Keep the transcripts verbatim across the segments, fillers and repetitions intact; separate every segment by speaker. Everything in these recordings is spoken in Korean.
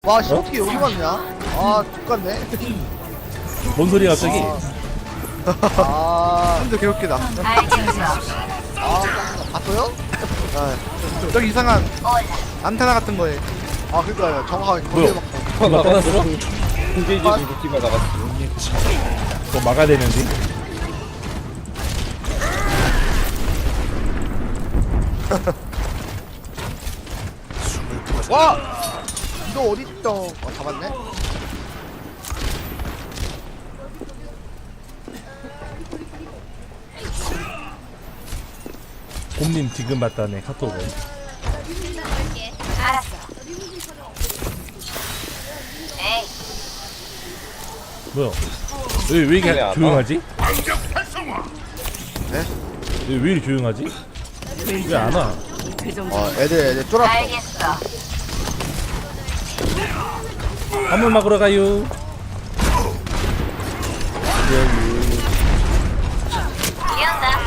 Speaker 1: 와, 씨, 어떻게 여기 왔냐? 아, 똑같네.
Speaker 2: 뭔 소리야 갑자기?
Speaker 1: 아,
Speaker 3: 진짜 개웃기다.
Speaker 1: 아, 봤어요?
Speaker 3: 아, 저기 이상한 안테나 같은 거에.
Speaker 1: 아, 그니까요. 정확하게
Speaker 2: 뭐야?
Speaker 1: 거기에 막.
Speaker 2: 누가 떠났어?
Speaker 4: 공개지 공개지가 나갔어.
Speaker 2: 그거 막아야 되는데.
Speaker 1: 와! 이거 어딨어? 어, 잡았네?
Speaker 2: 곰님 지금 봤다네 카톡을.
Speaker 5: 알았어. 에이,
Speaker 2: 뭐야? 왜, 왜 이렇게
Speaker 4: 그래,
Speaker 2: 조용하지?
Speaker 1: 네?
Speaker 2: 왜, 왜 이렇게 조용하지? 왜 안 와?
Speaker 1: 어, 애들, 애들 쫄았어.
Speaker 5: 알겠어.
Speaker 2: 한번 막으러 가요.
Speaker 5: 기억나?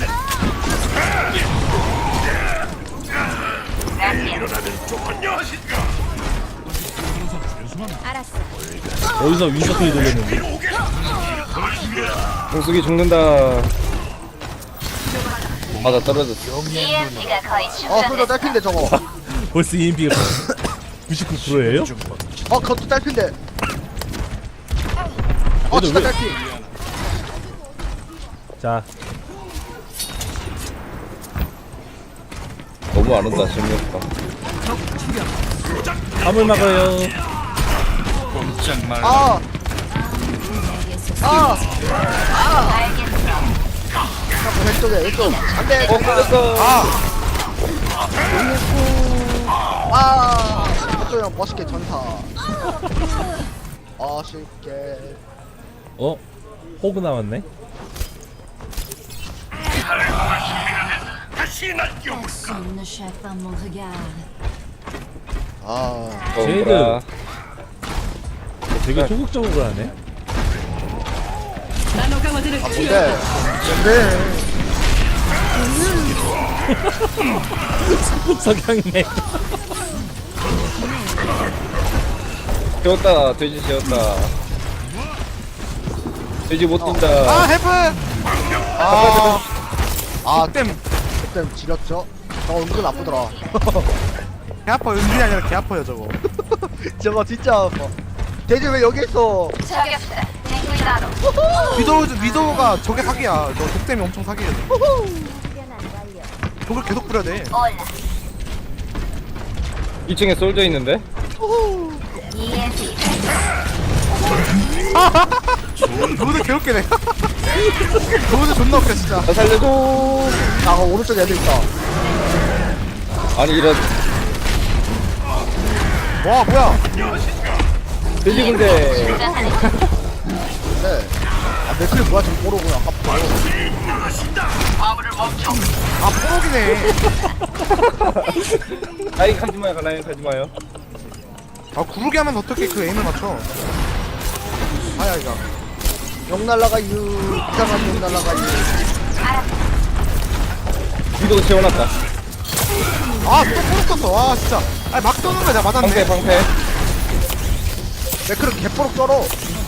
Speaker 5: 알았어.
Speaker 2: 어디서 윈서 소리 들렸는데?
Speaker 4: 공숙이 죽는다. 맞아 떨어졌어.
Speaker 5: 이엠피가 거의
Speaker 1: 어, 그거
Speaker 5: 충전됐어.
Speaker 1: 딸핀데, 저거.
Speaker 2: 벌써 이엠피가 구십구 퍼센트예요?
Speaker 1: 어, 그것도 딸핀데. 어,
Speaker 2: 얘들
Speaker 1: 진짜
Speaker 2: 왜-
Speaker 1: 딸핀.
Speaker 2: 자,
Speaker 4: 너무 안 온다. 재미없다.
Speaker 2: 한번 막아요.
Speaker 1: 아! 아!
Speaker 5: 알겠어.
Speaker 1: 자꾸 왼쪽에, 왼쪽. 안 돼!
Speaker 4: 어 걸렸어.
Speaker 1: 아! 아! 왼쪽 형 멋있게 전사. 아쉽게.
Speaker 2: 어? 호그 나왔네?
Speaker 6: Personne ne chape pas mon regard.
Speaker 1: 아.
Speaker 4: 거울아.
Speaker 2: 되게 소극적으로 하네.
Speaker 1: 아, 뭔데? 뭔데?
Speaker 2: 석양네.
Speaker 4: 재웠다. 돼지 재웠다. 돼지 못 뛴다.
Speaker 3: 아, 헬프!
Speaker 1: 아. 아,
Speaker 3: 땜.
Speaker 1: 그때 지렸죠? 저거 은근 아프더라.
Speaker 3: 개 아파. 은근이 아니라 개 아파요, 저거.
Speaker 1: 저거 진짜 아파. 돼지 왜 여기 있어?
Speaker 5: 저격수다. 탱구이다로.
Speaker 3: 위도우, 위도우가 저게 사기야. 저 독댐이 엄청 사기야. 독을 계속 뿌려야 돼.
Speaker 5: 올라.
Speaker 4: 이 층에 솔져 있는데.
Speaker 5: 이엠피.
Speaker 3: 그거도 개웃기네. 그거도 존나 웃겨, 진짜.
Speaker 4: 나 살려줘.
Speaker 1: 아, 그 오른쪽에 애들 있다.
Speaker 4: 아니 이런
Speaker 3: 와, 뭐야.
Speaker 4: 돼지 군대.
Speaker 5: 충전하는
Speaker 1: 네. 아, 맥클이 뭐야, 지금 뽀로구나. 아깝다.
Speaker 3: 아, 뽀록이네.
Speaker 4: 라인 가지 마요. 라인 가지 마요.
Speaker 3: 아, 구르게 하면 어떻게 그 에임을 맞춰. 아야, 이거.
Speaker 1: 욕 날라가유. 이상한 욕 날라가유.
Speaker 4: 위도 재워놨다.
Speaker 3: 아, 또 뽀록 떴어. 와, 진짜. 아니, 막 쏘는 거야, 내가
Speaker 4: 방패
Speaker 3: 맞았네.
Speaker 4: 방패.
Speaker 1: 맥클은 개뽀록 쩔어.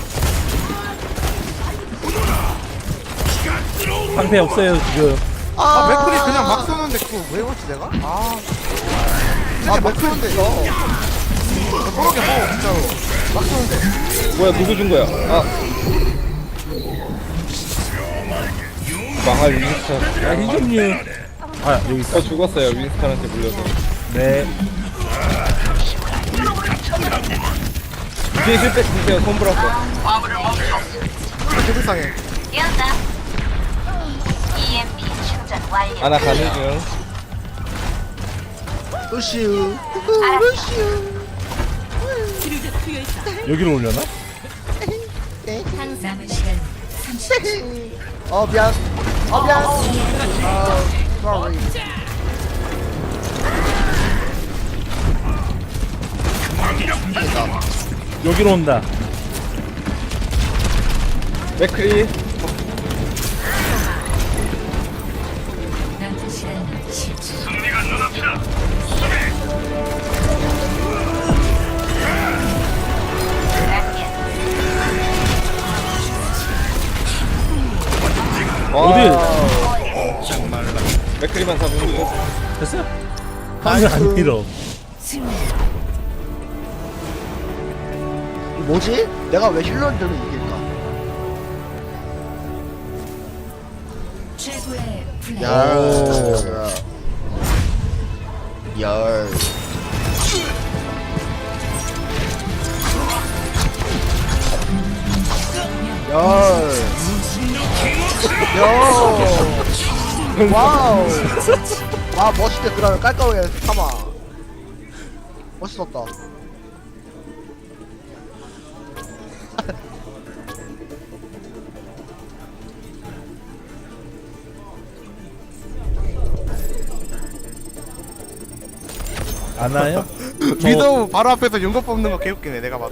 Speaker 2: 방패 없어요 지금.
Speaker 3: 아, 맥클이 그냥 막 쏘는데 그거 왜 그렇지, 내가? 아. 진짜
Speaker 1: 아,
Speaker 3: 막 쏘는데.
Speaker 1: 있어.
Speaker 3: 뽀록이 뭐, 진짜로. 막 쏘는데.
Speaker 4: 뭐야 누구 준 거야? 아. 망할 윈스턴.
Speaker 2: 야 희종류. 아 여기 있어.
Speaker 4: 어 죽었어요. 윈스턴한테 물려서.
Speaker 2: 네.
Speaker 4: 뒤에 실패 주세요. 손 불었어.
Speaker 3: 되게 불쌍해.
Speaker 5: 기억나? 이엠피 충전 완료.
Speaker 4: 아나 가는 중.
Speaker 1: 으슈. 으슈.
Speaker 2: 여기로 올려나?
Speaker 6: 남은 시간
Speaker 1: 어, 미안. 어, 미안. 아, sorry.
Speaker 2: 여기로 온다.
Speaker 4: 맥크리.
Speaker 6: 남은 시간 십 초.
Speaker 4: 맥크리만 잡으면 돼.
Speaker 2: 됐어요? 방을 안 밀어.
Speaker 1: 이거 뭐지? 내가 왜 힐러들을 이길까?
Speaker 6: 최고의 플레이.
Speaker 1: 열. 열. 열. 열. 와우. 와 멋있게 그러면 깔끔하게 삼아. 멋있었다.
Speaker 2: 안 와요?
Speaker 3: 위도우 바로 앞에서 용거 뽑는 거 개웃기네 내가 봐도.